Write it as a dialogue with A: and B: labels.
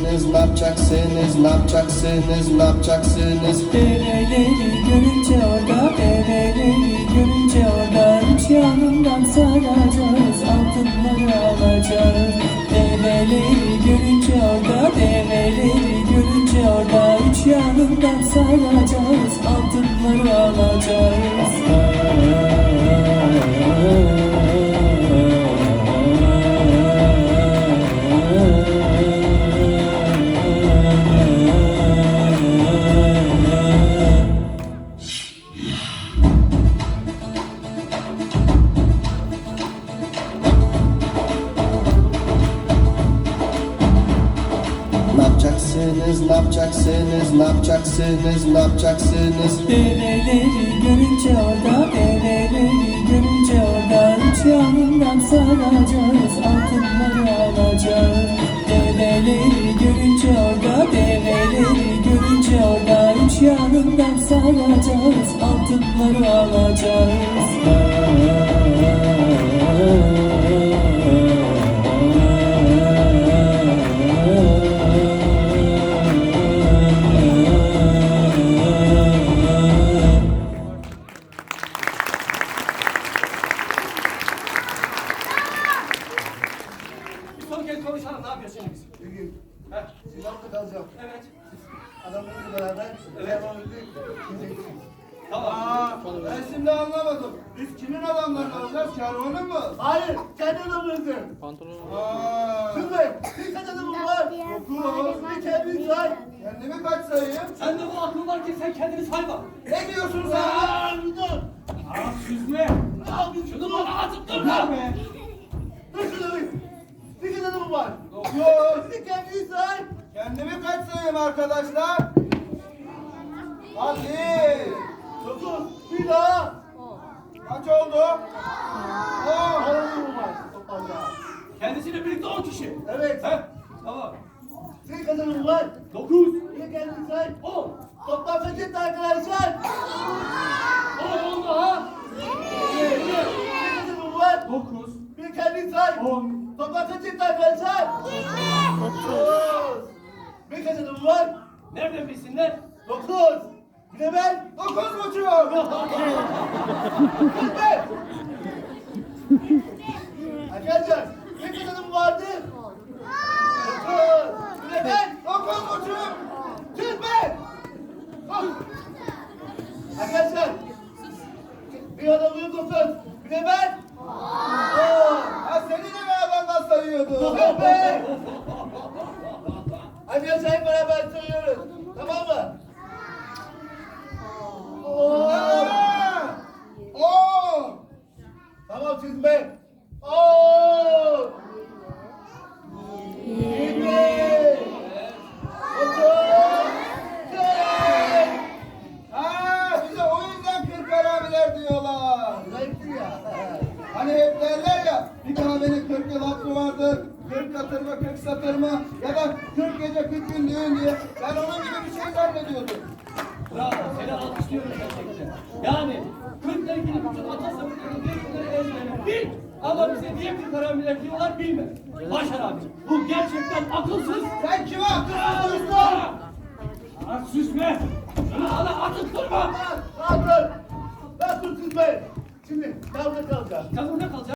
A: yapacaksınız, ne yapacaksınız, ne yapacaksınız, ne yapacaksınız?
B: Develeri görünce orada, develeri görünce orada, üç yanından saracağız, altınları alacağız. Develeri görünce orada, develeri görünce orada, üç yanından saracağız, altınları alacağız.
A: Ne yapacaksınız, ne yapacaksınız, ne yapacaksınız, ne yapacaksınız?
B: Develeri görünce orada, develeri görünce orada, üç yanından saracağız, altınları alacağız. Develeri görünce orada, develeri görünce orada, üç yanından saracağız, altınları alacağız.
C: Son kez konuşalım, ne yapıyorsunuz?
D: Bugün
C: Heh,
D: Sivas'ta kalacağım.
C: evet.
D: Adamlarla beraber devam edip
C: Tamam.
A: Ben şimdi anlamadım. Biz kimin adamlarını alacağız, kervanın mı?
D: Hayır, kendi adamlarınızı. Kız Bey, bir kaç adamım var? Dokuz, bir kendini say.
A: Kendimi kaç sayayım?
C: Sen de bu aklın var ki sen kendini sayma.
A: Ne diyorsun sen?
D: Aa, bir dur.
C: Aa, süzme.
D: Abi,
C: Şunu bana atıp durma be.
D: Dur şunu bir. Bir kaç adamım var?
A: Dokuz.
D: Bir kendini say.
A: Kendimi kaç sayayım arkadaşlar? Hadi.
D: Dokuz, bir daha.
A: Kaç oldu? On.
D: Adamım var toplamda.
C: Kendisiyle birlikte 10 kişi.
D: Evet.
C: Heh, tamam.
D: Bir kaç adamım var?
C: 9,
D: Bir kendini say.
C: 10.
D: Toplam kaç etti arkadaşlar?
C: 10 oldu ha.
D: Bir kaç adamım var?
C: 9,
D: Bir kendini say.
C: 10.
D: Toplam kaç etti arkadaşlar? Dokuz. Bir kaç adamım var?
C: Nereden bilsinler?
D: 9. Bir de ben.
A: 9,5.
D: Kırk. Arkadaşlar bir kaç adamım vardı? 9. Bir de ben.
A: 9,5.
D: 45. Arkadaşlar bir adamım 9. Bir de ben. 10.
A: Ha seni de mi adamdan sayıyordu?
D: 45. Arkadaşlar hep beraber söylüyoruz. Tamam mı?
A: Ha! 10.
D: Tamam siz be. 10. 20. 30. 40.
A: Ha bize o yüzden 40 haramiler diyorlar.
D: Zayıftı ya.
A: Hani hep derler ya, bir kahvenin 40 yıl hakkı vardır, 40 katır mı, 40 satır mı, ya da 40 gece 40 gün düğün diye. Ben onun gibi bir şey zannediyordum.
C: Bravo, seni alkışlıyorum gerçekten. Yani 40'la ilgili bütün atasabıkları birbirleri ezberler. Bil! Ama bize niye bir karambiler diyorlar bilme. Başar abi, bu gerçekten akılsız.
A: Sen kime akıl veriyorsun?
C: Aa, süsme! Şunu hala atıp durma!
D: Rahat dur. Rahat dur siz be. Şimdi yavruda kalacağız.
C: Sen burada kalacaksın.